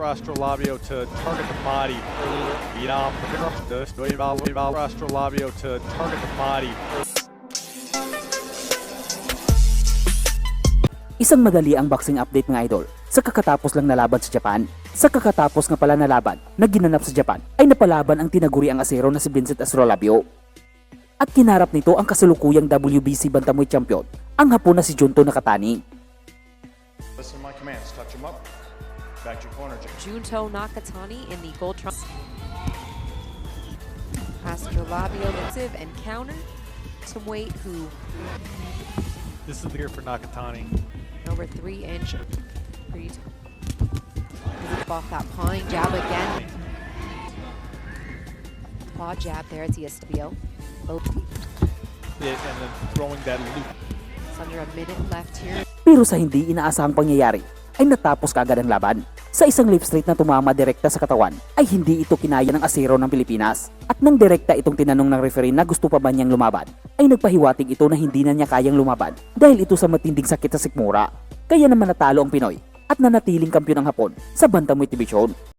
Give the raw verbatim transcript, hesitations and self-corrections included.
Astrolabio to target the body. Viram this Astrolabio to target the body. Isang madali ang boxing update mga idol. Sa kakatapos lang na laban sa Japan, sa kakatapos nga pala na laban na ginanap sa Japan, ay napalaban ang tinaguri ang asero na si Vincent Astrolabio. At kinarap nito ang kasalukuyang W B C Bantamweight Champion, ang Hapon na si Junto Nakatani. Listen to my commands. Touch him up. Back to your corner, Jake. Junto Nakatani in the gold trump. Astrolabio offensive and counter. Some weight who This is the year for Nakatani. over three inch. Pretty t- off that pawing jab again. Paw jab there at Estevio. Both. Yeah, and then throwing that loop. It's under a minute left here. Pero sa hindi inaasahang pangyayari, ay natapos kaagad ang laban. Sa isang lip straight na tumama direkta sa katawan, ay hindi ito kinaya ng asero ng Pilipinas. At nang direkta itong tinanong ng referee na gusto pa ba niyang lumaban, ay nagpahiwatig ito na hindi na niya kayang lumaban dahil ito sa matinding sakit sa sikmura. Kaya naman natalo ang Pinoy at nanatiling kampiyon ng Hapon sa Bantamweight Division.